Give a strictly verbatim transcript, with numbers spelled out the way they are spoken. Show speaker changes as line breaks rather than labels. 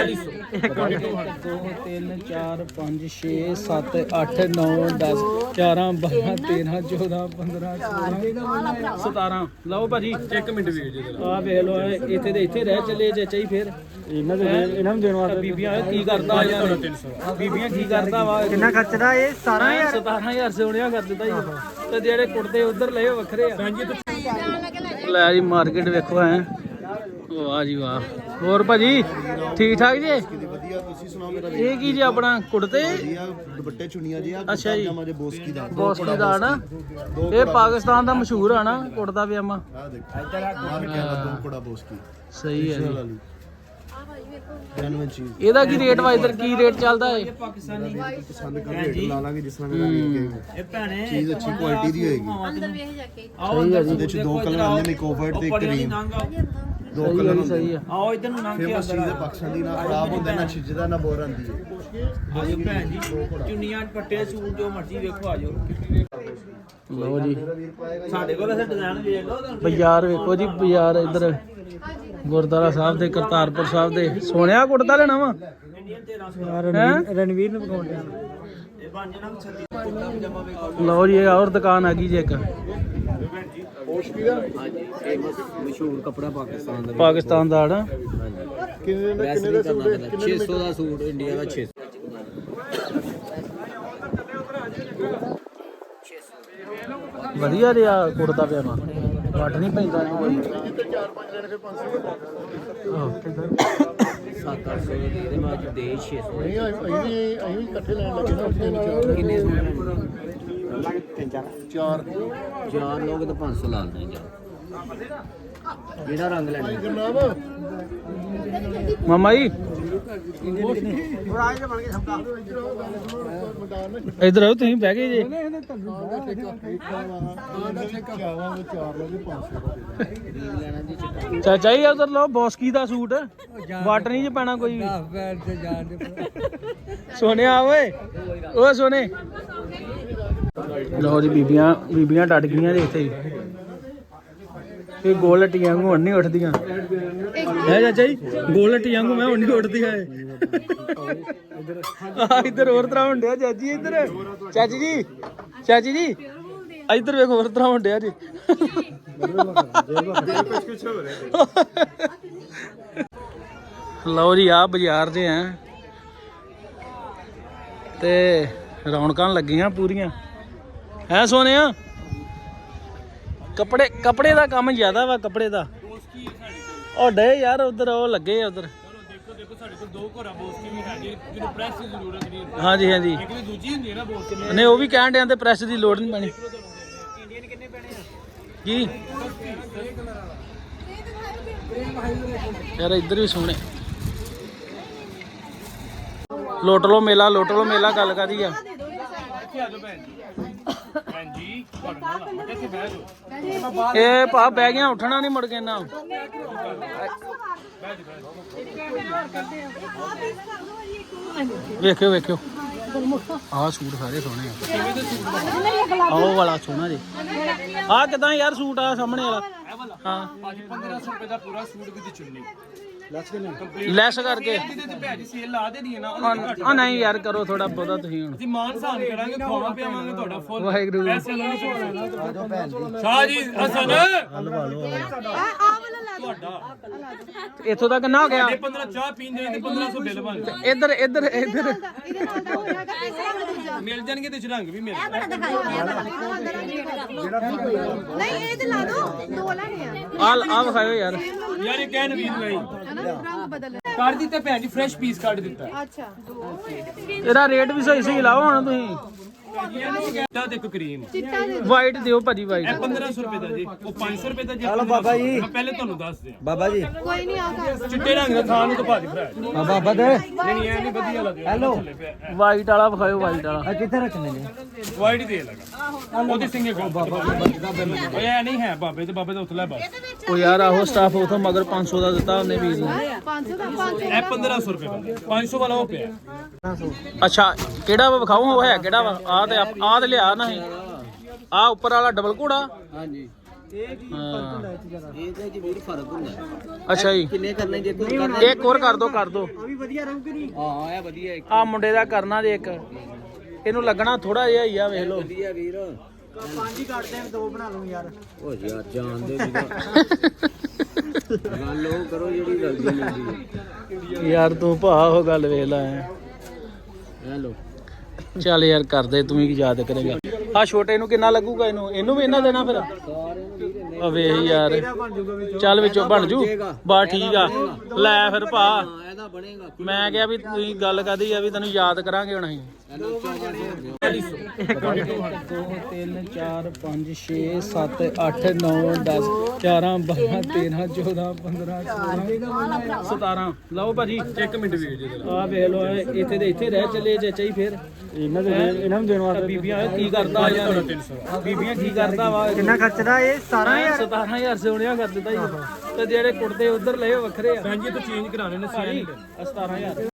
तीन चार पाँच छे सत्त अठ नौ दस ग्यारह बारह तेरह चौदह पंद्रह सोलह सतारह लो भाजी एक मिनट भी आ वेख लो इतने तो इतने रह चले चाचा जी फिर इन्होंने देने वास्ते बीबियां की करता बीबियां की करता वा कितना खर्चदा ये सतारह हज़ार सोनिया कर दिता जी ते जेड़े कुड़ते उधर ले वखरे ले जी मार्केट वेखो है वाह जी वाह ਹੋਰ ਭਾਜੀ ਠੀਕ ਠਾਕ ਜੀ ਵਧੀਆ ਤੁਸੀਂ ਸੁਣਾਓ ਮੇਰਾ ਇਹ ਕੀ ਜੀ ਆਪਣਾ ਕੁੜਤੇ ਦੁਪੱਟੇ ਚੁੰਨੀਆਂ ਜੀ ਆ ਅੱਛਾ ਜੀ ਬੋਸਕੀ ਦਾ ਬੋਸਕੀ ਦਾ ਨਾ ਇਹ ਪਾਕਿਸਤਾਨ ਦਾ ਮਸ਼ਹੂਰ ਆ ਨਾ ਕੁੜਤਾ ਪਜਾਮਾ ਆ ਦੇਖੋ ਇੱਧਰ ਆ ਦੋ ਕੁੜਾ ਬੋਸਕੀ ਸਹੀ ਹੈ ਜੀ ਇਹਦਾ ਕੀ ਰੇਟ ਵਾ ਇਧਰ ਕੀ ਰੇਟ ਚੱਲਦਾ ਹੈ ਪਾਕਿਸਤਾਨੀ ਪਸੰਦ ਕਰ ਰੇਟ ਲਾ ਲਾਂਗੇ ਜਿਸ ਤਰ੍ਹਾਂ ਮੇਰਾ ਵੀਰ ਇਹ ਭੈਣੇ ਚੀਜ਼ ਅੱਛੀ ਕੁਆਲਿਟੀ ਦੀ ਹੋਏਗੀ ਅੰਦਰ ਵੇਖ ਜਾ ਕੇ ਆਓ ਇਹਦੇ ਵਿੱਚ ਦੋ ਕਲਰ ਆਉਂਦੇ ਨੇ ਕੋਵਰਟ ਤੇ ਕਰੀਮ ਦੋ ਕਲਰ ਸਹੀ ਆ ਆਓ ਇਧਰ ਨੂੰ ਲੰਘ ਕੇ ਅੰਦਰ ਚੀਜ਼ ਪਾਕਿਸਤਾਨੀ ਨਾ ਖਰਾਬ ਹੁੰਦਾ ਨਾ ਛਿੱਜਦਾ ਨਾ ਬੋਰ ਆਂਦੀ ਹੈ ਆਜੋ ਭੈਣ ਜੀ ਚੁੰਨੀਆਂ ਪੱਟੇ ਸੂਟ ਜੋ ਮਰਜ਼ੀ ਵੇਖੋ ਆਜੋ ਲਓ ਜੀ ਸਾਡੇ ਕੋਲ ਵੈਸੇ ਡਿਜ਼ਾਈਨ ਵੇਖ ਲਓ ਬਾਜ਼ਾਰ ਵੇਖੋ ਜੀ ਬਾਜ਼ਾਰ ਇਧਰ ਗੁਰਦੁਆਰਾ ਸਾਹਿਬ ਦੇ ਕਰਤਾਰਪੁਰ ਸਾਹਿਬ ਦੇ ਸੋਹਣਿਆ ਕੁੜਤਾ ਲੈਣਾ ਵਾ ਰਣਵੀਰ ਨੂੰ ਪਕਾਉਂਦੇ ਲਓ ਜੀ ਇਹ ਹੋਰ ਦੁਕਾਨ ਆ ਗਈ ਜੀ ਇੱਕ ਮਸ਼ਹੂਰ ਕਪੜਾ ਪਾਕਿਸਤਾਨ ਦਾ ਪਾਕਿਸਤਾਨ ਦਾ ਨਾ ਕਿੰਨੇ ਦਾ ਕਿੰਨੇ ਦਾ ਸੂਟ ਛੇ ਸੌ ਦਾ ਸੂਟ ਇੰਡੀਆ ਦਾ ਛੇ ਸੌ ਵਧੀਆ ਰਿਹਾ ਕੁੜਤਾ ਪਜਾਮਾ ਵੱਟ ਨਹੀਂ ਪੈਂਦਾ ਕੋਈ ਚਾਰ ਪੰਜ ਲੈਣੇ ਫਿਰ ਪੰਜ ਸੌ ਆਹ ਸੱਤ ਅੱਠ ਸੌ ਦੇ ਬਾਅਦ ਦੇ ਛੇ ਸੌ ਨਹੀਂ ਅਸੀਂ ਵੀ ਅਸੀਂ ਵੀ ਇਕੱਠੇ ਲੈਣ ਲੱਗੇ ਨਾ ਕਿੰਨੇ ਸੂਟ ਲੈਣੇ ਤਿੰਨ ਚਾਰ ਚਾਰ ਚਾਰ ਲੋਕ ਤਾਂ ਪੰਜ ਸੌ ਲਾ ਦਿੰਦੇ ਜਾ ਕਿਹੜਾ ਰੰਗ ਲੈਣਾ ਜਨਾਬ ਮਾਮਾ ਜੀ ਇਧਰ ਆਓ ਤੁਸੀਂ ਬਹਿ ਗਏ ਜੀ ਚਾਚਾ ਜੀ ਉਧਰ ਲਓ ਬੋਸਕੀ ਦਾ ਸੂਟ ਵਾਟ ਨਹੀਂ ਚ ਪੈਣਾ ਕੋਈ ਸੋਨਿਆ ਓਏ ਓ ਸੋਨੇ ਲਓ ਜੀ ਬੀਬੀਆਂ ਬੀਬੀਆਂ ਡਟ ਗਈਆਂ ਜੀ ਇੱਥੇ ਇਹ ਗੋਲ ਹੱਟੀਆਂ ਵਾਂਗੂ ਹੁਣ ਨਹੀਂ ਉੱਠਦੀਆਂ ਹੈ ਚਾਚਾ ਜੀ ਗੋਲ ਹੱਟੀਆਂ ਵਾਂਗੂ ਮੈਂ ਹੁਣ ਨਹੀਂ ਉੱਠਦੀਆਂ ਆ ਇੱਧਰ ਹੋਰ ਤਰ੍ਹਾਂ ਹੁੰਦਿਆ ਚਾਚੀ ਇੱਧਰ ਚਾਚੀ ਜੀ ਚਾਚੀ ਜੀ ਇੱਧਰ ਵੇਖੋ ਹੋਰ ਤਰ੍ਹਾਂ ਹੁੰਦਿਆ ਜੀ ਲਓ ਜੀ ਆ ਬਾਜ਼ਾਰ ਦੇ ਆ ਤੇ ਰੌਣਕਾਂ ਲੱਗੀਆਂ ਪੂਰੀਆਂ ਹੈ ਸੋਨਿਆ ਕੱਪੜੇ ਕੱਪੜੇ ਦਾ ਕੰਮ ਜ਼ਿਆਦਾ ਵਾ ਕੱਪੜੇ ਦਾ ਉਹ ਡੇ ਯਾਰ ਉਧਰ ਉਹ ਲੱਗੇ ਆ ਉਧਰ ਦੇਖੋ ਦੇਖੋ ਸਾਡੇ ਕੋਲ ਦੋ ਘੋੜਾ ਬੋਸਕੀ ਵੀ ਹੈਗੀ ਜਿਹਨੂੰ ਪ੍ਰੈਸ ਦੀ ਜ਼ਰੂਰਤ ਨਹੀਂ ਹਾਂਜੀ ਹਾਂਜੀ ਇੱਕ ਵੀ ਦੂਜੀ ਹੁੰਦੀ ਹੈ ਨਾ ਬੋਸਕੀ ਨਹੀਂ ਉਹ ਵੀ ਕਹਿਣ ਡਿਆਂ ਤੇ ਪ੍ਰੈਸ ਦੀ ਲੋੜ ਨਹੀਂ ਪੈਣੀ ਇੰਡੀਅਨ ਕਿੰਨੇ ਪੈਣੇ ਆ ਕੀ ਯਾਰ ਇੱਧਰ ਵੀ ਸੋਹਣੇ ਲੋਟ ਲੋ ਮੇਲਾ ਲੋਟ ਲੋ ਮੇਲਾ ਗੱਲ ਕਾਦੀ ਆ ਇਹ ਭਾ ਬਹਿ ਗਿਆ ਉੱਠਣਾ ਨਹੀਂ ਮੁੜ ਕੇ ਨਾ ਵੇਖਿਓ ਵੇਖਿਓ ਆਹ ਸੂਟ ਸਾਰੇ ਸੋਹਣੇ ਆ ਆਹ ਵਾਲਾ ਸੋਹਣਾ ਜੀ ਆਹ ਕਿਦਾਂ ਯਾਰ ਸੂਟ ਆ ਸਾਹਮਣੇ ਵਾਲਾ ਹਾਂ ਪੰਦਰਾਂ ਸੌ ਰੁਪਏ ਦਾ ਪੂਰਾ ਸੂਟ ਵੀ ਦੀ ਚੁੰਨੀ ਲੈਸ ਕਰਕੇ ਆ ਨਹੀਂ ਯਾਰ ਕਰੋ ਥੋੜਾ ਬਹੁਤਾ ਤੁਸੀਂ ਹੁਣ ਅਸੀਂ ਮਾਨ ਸਾਨ ਕਰਾਂਗੇ ਖਵਾਵਾਂ ਪਿਆਵਾਂਗੇ ਤੁਹਾਡਾ ਫੁੱਲ ਵਾਹਿਗੁਰੂ ਪੈਸੇ ਲਾਉਣੇ ਸ਼ਾਹ ਜੀ ਹਸਨ ਹਲਵਾ ਲਓ ਆ ਵਾਲਾ ਲਾ ਤੁਹਾਡਾ ਇੱਥੋਂ ਦਾ ਕਿੰਨਾ ਹੋ ਗਿਆ ਪੰਦਰਾਂ ਚਾਹ ਪੀਂਦੇ ਤੇ ਪੰਦਰਾਂ ਸੌ ਬਿੱਲ ਬਣ ਇੱਧਰ ਇੱਧਰ ਇੱਧਰ ਮਿਲ ਜਾਣਗੇ ਤੇ ਰੰਗ ਵੀ ਮਿਲ
ਨਹੀਂ ਇਹ ਤੇ ਲਾ ਦੋ ਦੋ ਲੈਣੇ ਆ
ਆ ਆ ਵਿਖਾਇਓ ਯਾਰ
ਯਾਰ ਇਹ ਕਹਿਣ ਵੀ ਨਹੀਂ
ਰੰਗ ਬਦਲ
ਕਰ ਦਿੱਤਾ ਭੈਣ ਜੀ ਫਰੈਸ਼ ਪੀਸ ਕੱਢ ਦਿੱਤਾ
ਅੱਛਾ
ਇਹਦਾ ਰੇਟ ਵੀ ਸਹੀ ਸਹੀ ਲਾਓ ਹੁਣ ਤੁਸੀਂ
ਚਿੱਟਾ ਤੇ ਕਰੀਮ
ਚਿੱਟਾ ਦੇ
ਵਾਈਟ ਦਿਓ ਭਾਜੀ ਵਾਈਟ
ਇਹ ਪੰਦਰਾਂ ਸੌ ਰੁਪਏ ਦਾ ਜੀ ਉਹ ਪੰਜ ਸੌ ਰੁਪਏ ਦਾ ਜੀ
ਚਲੋ ਬਾਬਾ ਜੀ
ਮੈਂ ਪਹਿਲੇ ਤੁਹਾਨੂੰ ਦੱਸ ਦਿਆਂ
ਬਾਬਾ ਜੀ
ਕੋਈ ਨਹੀਂ ਆ ਕਰ
ਚਿੱਟੇ ਰੰਗ ਦਾ ਥਾਂ ਨੂੰ ਤਾਂ ਭਾਜੀ ਭਰਾ
ਬਾਬਾ ਬਦੇ
ਨਹੀਂ ਨਹੀਂ ਇਹ ਨਹੀਂ ਵਧੀਆ ਲੱਗਦਾ
ਹੈਲੋ
ਵਾਈਟ ਵਾਲਾ ਵਿਖਾਇਓ ਵਾਈਟ ਵਾਲਾ
ਆ ਕਿੱਥੇ ਰੱਖਣੇ ਨੇ
ਵਾਈਟ ਦੇ ਲਗਾ ਉਹਦੀ ਸਿੰਗੇ ਕੋਲ ਬਾਬਾ ਉਹ ਇਹ ਨਹੀਂ ਹੈ ਬਾਬੇ ਤੇ ਬਾਬੇ ਦਾ ਉੱਥੇ ਲੈ ਬਸ
ਉਹ ਯਾਰ ਆਹੋ ਸਟਾਫ ਉਥੋਂ ਮਗਰ ਪੰਜ ਸੌ ਦਾ ਦਿੱਤਾ ਉਹਨੇ ਵੀਰ ਨੂੰ
ਪੰਜ ਸੌ ਦਾ ਪੰਜ
ਇਹ ਪੰਦਰਾਂ ਸੌ ਰੁਪਏ ਦਾ ਪੰਜ ਸੌ ਵਾਲਾ ਉਹ ਪਿਆ
ਅੱਛਾ ਕਿਹੜਾ ਵਾ ਵਿਖਾਓ ਉਹ ਹੈ ਕਿਹੜਾ ਵਾ ਆ ਤੇ ਆ ਤੇ ਲਿਆ ਨਾ ਆ ਉੱਪਰ ਵਾਲਾ ਡਬਲ ਘੋੜਾ
ਹਾਂਜੀ ਇਹ ਕੀ ਫਰਕ ਹੁੰਦਾ ਇਹ ਜ਼ਿਆਦਾ
ਇਹਦੇ ਚ ਵੀਰ ਫਰਕ ਹੁੰਦਾ।
ਅੱਛਾ ਜੀ
ਕਿੰਨੇ ਕਰਨੇ ਜੇ ਕੋਈ ਕਰਨਾ
ਇੱਕ ਹੋਰ ਕਰ ਦੋ ਕਰ ਦੋ
ਆ ਵੀ ਵਧੀਆ ਰਹੂ ਕਿ ਨਹੀਂ
ਹਾਂ ਇਹ ਵਧੀਆ ਇੱਕ
ਆ ਮੁੰਡੇ ਦਾ ਕਰਨਾ ਜੇ ਇੱਕ ਇਹਨੂੰ ਲੱਗਣਾ ਥੋੜਾ ਜਿਹਾ ਹੀ ਆ ਵੇਖ ਲਓ
ਵਧੀਆ ਵੀਰ
ਪੰਜ ਹੀ ਕੱਢ ਦੇ ਦੋ ਬਣਾ ਲਓ ਯਾਰ
ਉਹ ਯਾਰ ਜਾਣ ਦੇ ਵੀਰ ਗੱਲ ਉਹ ਕਰੋ ਜਿਹੜੀ ਜਲਦੀ ਮਿਲਦੀ
ਯਾਰ ਤੂੰ ਭਾ ਉਹ ਗੱਲ ਵੇਖ ਲੈ
ਹੈਲੋ
ਚੱਲ ਯਾਰ ਕਰਦੇ ਤੂੰ ਹੀ ਯਾਦ ਕਰੇਗਾ ਆ ਛੋਟੇ ਨੂੰ ਕਿੰਨਾ ਲੱਗੂਗਾ ਇਹਨੂੰ ਇਹਨੂੰ ਵੀ ਇਹਨਾਂ ਦੇਣਾ ਫਿਰ ਆ ਵੇਖ ਯਾਰ ਚੱਲ ਵਿੱਚੋਂ ਬਣ ਜੂ ਬਾ ਠੀਕ ਆ ਲੈ ਫਿਰ ਭਾ
ਇਹਦਾ ਬਣੇਗਾ
ਮੈਂ ਕਿਹਾ ਵੀ ਤੁਸੀਂ ਗੱਲ ਕਰਦੀ ਆ ਵੀ ਤੈਨੂੰ ਯਾਦ ਕਰਾਂਗੇ ਹੁਣ ਅਸੀਂ ਦੋ ਤਿੰਨ ਚਾਰ ਪੰਜ ਛੇ ਸੱਤ ਅੱਠ ਨੌ ਦਸ ਗਿਆਰਾਂ ਬਾਰਾਂ ਤੇਰਾਂ ਚੌਦਾਂ ਪੰਦਰਾਂ ਸੋਲਾਂ ਸਤਾਰਾਂ ਲਓ ਭਾਜੀ
ਇੱਕ ਮਿੰਟ ਵੀਰ ਜੀ
ਆ ਵੇਖ ਲਓ ਇਹ ਇੱਥੇ ਦੇ ਇੱਥੇ ਰਹਿ ਚੱਲੇ ਚਾਚਾ ਜੀ ਫੇਰ ਇਹਨਾਂ ਦੇ ਇਹਨਾਂ ਨੂੰ ਦੇਣ ਵਾਸਤੇ ਬੀਬੀਆਂ ਕੀ ਕਰਦਾ ਯਾਰ ਬੀਬੀਆਂ ਕੀ ਕਰਦਾ ਵਾ
ਕਿੰਨਾ ਖਰਚਦਾ ਇਹ ਸਤਾਰਾਂ ਹਜ਼ਾਰ
ਸਤਾਰਾਂ ਹਜ਼ਾਰ ਸੋਹਣਿਆ ਕਰ ਦਿੱਤਾ ਜੀ ਤੇ ਜਿਹੜੇ ਕੁੜਤੇ ਉਧਰ ਲਏ ਉਹ ਵੱਖਰੇ ਆ
ਭੈਣ ਜੀ ਤੂੰ ਚੇਂਜ ਕਰਾਣੇ ਨੇ ਸਿਆਣੇ
ਸਤਾਰਾਂ ਹਜ਼ਾਰ